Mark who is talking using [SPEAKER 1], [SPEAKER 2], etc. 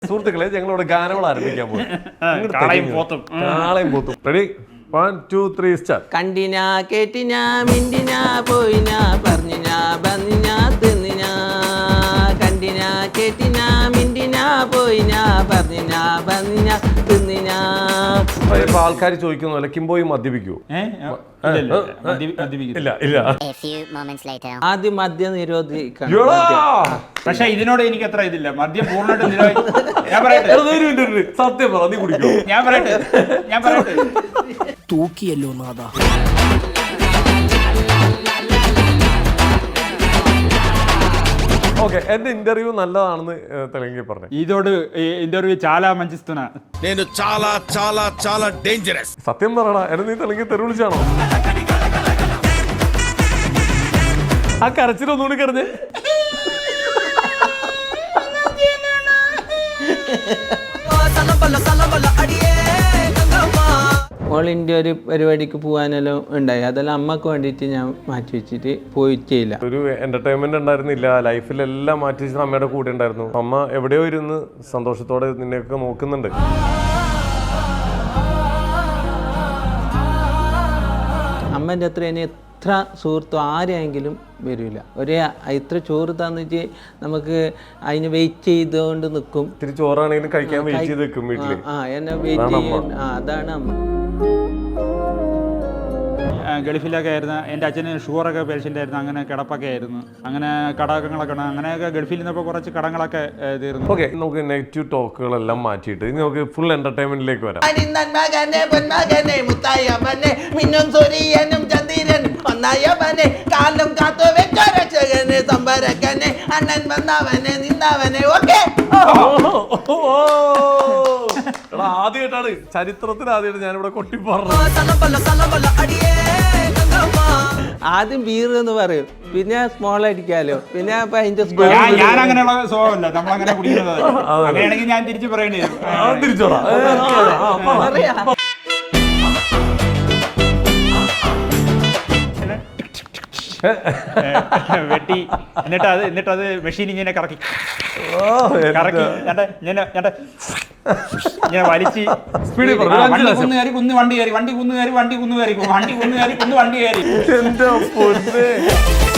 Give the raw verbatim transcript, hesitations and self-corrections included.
[SPEAKER 1] സുഹൃത്തുക്കളെ ഞങ്ങളോട് ഗാനങ്ങൾ ആരംഭിക്കാൻ പോകും. Ready one two three start.
[SPEAKER 2] കണ്ടിനാ കേട്ടിനാ മിണ്ടിനാ പോയിനാ പറഞ്ഞിനാ ബന്നിനാ തിന്നിനാ കണ്ടിനാ കേട്ടിനാ മിണ്ടിനാ പോയിനാ പറഞ്ഞിനാ ബന്നിനാ തിന്നിനാ.
[SPEAKER 1] ഇപ്പൊ ആൾക്കാർ ചോദിക്കുന്ന പോലെ കിംബോയി മദ്യപിക്കൂ? ഇല്ല ഇല്ല.
[SPEAKER 2] ആദ്യം മദ്യം നിരോധിക്കണം.
[SPEAKER 3] പക്ഷെ ഇതിനോട് എനിക്ക് അത്ര ഇതില്ല. മദ്യം പൂർണ്ണമായിട്ട് ഞാൻ പറയട്ടെ,
[SPEAKER 1] സത്യം പറ, നീ കുടിക്കോ?
[SPEAKER 3] ഞാൻ പറയട്ടെ ഞാൻ പറയട്ടെ
[SPEAKER 4] തൂക്കിയല്ലോ നാദാ.
[SPEAKER 1] ఓకే ఎన్ని ఇంటర్వ్యూ నల్లదాണെന്ന് తెలంగి പറഞ്ഞു.
[SPEAKER 3] ఇదోడు ఇంటర్వ్యూ చాలా మంచిస్తున్నా.
[SPEAKER 5] నేను చాలా చాలా చాలా డేంజరస్.
[SPEAKER 1] സത്യം പറയടാ, എന്നെ നീ തെലുങ്കി തെറി വിളിച്ചാണോ? ആ കരച്ചിലൊന്നുകൂടി കരഞ്ഞ്.
[SPEAKER 2] ഓൾ ഇന്ത്യ ഒരു പരിപാടിക്ക് പോകാനെല്ലാം ഉണ്ടായി. അതെല്ലാം അമ്മക്ക് വേണ്ടിയിട്ട് ഞാൻ മാറ്റി വെച്ചിട്ട് പോയിട്ടില്ല.
[SPEAKER 1] ഒരു എന്റർടൈൻമെന്റ് ഉണ്ടായിരുന്നില്ല, ലൈഫിലെല്ലാം മാറ്റി വെച്ചിട്ട് അമ്മയുടെ കൂടെ ഉണ്ടായിരുന്നു. അമ്മ എവിടെയോ ഇരുന്ന് സന്തോഷത്തോടെ നിന്നെയൊക്കെ നോക്കുന്നുണ്ട്.
[SPEAKER 2] അമ്മേൻ്റെ അത്ര ഇനി എത്ര സുഹൃത്തും ആരെയെങ്കിലും വരില്ല. ഒരു ഇത്ര ചോറ് തന്നിട്ട് നമുക്ക് അതിന് വെയിറ്റ് ചെയ്തുകൊണ്ട് നിൽക്കും.
[SPEAKER 1] ഇത്തിരി ചോറാണെങ്കിലും കഴിക്കാൻ വെയിറ്റ് ചെയ്ത് നിൽക്കും വീട്ടില്.
[SPEAKER 2] ആ എന്നെ വെയിറ്റ് ചെയ്യും. ആ അതാണ് അമ്മ.
[SPEAKER 3] ഗൾഫിലൊക്കെ ആയിരുന്നു. എൻ്റെ അച്ഛന് ഷുഗറൊക്കെ പേഷ്യൻ്റ് ആയിരുന്നു. അങ്ങനെ കിടപ്പൊക്കെ ആയിരുന്നു. അങ്ങനെ കടകങ്ങളൊക്കെ ഉണ്ട്. അങ്ങനെയൊക്കെ ഗൾഫിൽ നിന്നപ്പോൾ കുറച്ച് കടങ്ങളൊക്കെ തീർന്നു.
[SPEAKER 1] ഓക്കെ, നമുക്ക് നെഗറ്റീവ് ടോക്കുകളെല്ലാം മാറ്റിയിട്ട് ഇനി നമുക്ക് ഫുൾ എന്റർടൈൻമെന്റിലേക്ക് വരാം. ആദ്യമായിട്ടാണ് ചരിത്രത്തിൽ ആദ്യമായിട്ട് ഞാനിവിടെ കൊട്ടി പറഞ്ഞു.
[SPEAKER 2] ആദ്യം ബീർ എന്ന് പറയും, പിന്നെ സ്മോൾ അടിക്കാലോ, പിന്നെ
[SPEAKER 3] ഞാൻ അങ്ങനെയുള്ള സ്വഭാവമല്ല. നമ്മളങ്ങനെ കുടിക്കുന്നത്. അങ്ങനെയാണെങ്കിൽ ഞാൻ തിരിച്ചു പറയേണ്ടി വരും.
[SPEAKER 1] തിരിച്ചോടാ.
[SPEAKER 3] വെട്ടി എന്നിട്ട് അത് എന്നിട്ട് അത് മെഷീൻ ഇങ്ങനെ കറക്കി കറക്കി ഇങ്ങനെ വലിച്ച് സ്പീഡിൽ കുന്ന് കയറി കുന്ന് വണ്ടി കയറി വണ്ടി കുന്ന് കയറി വണ്ടി കുന്ന് കയറി വണ്ടി കുന്ന് കയറി കുന്ന് വണ്ടി കയറി.
[SPEAKER 1] എന്റെ പൊന്നേ.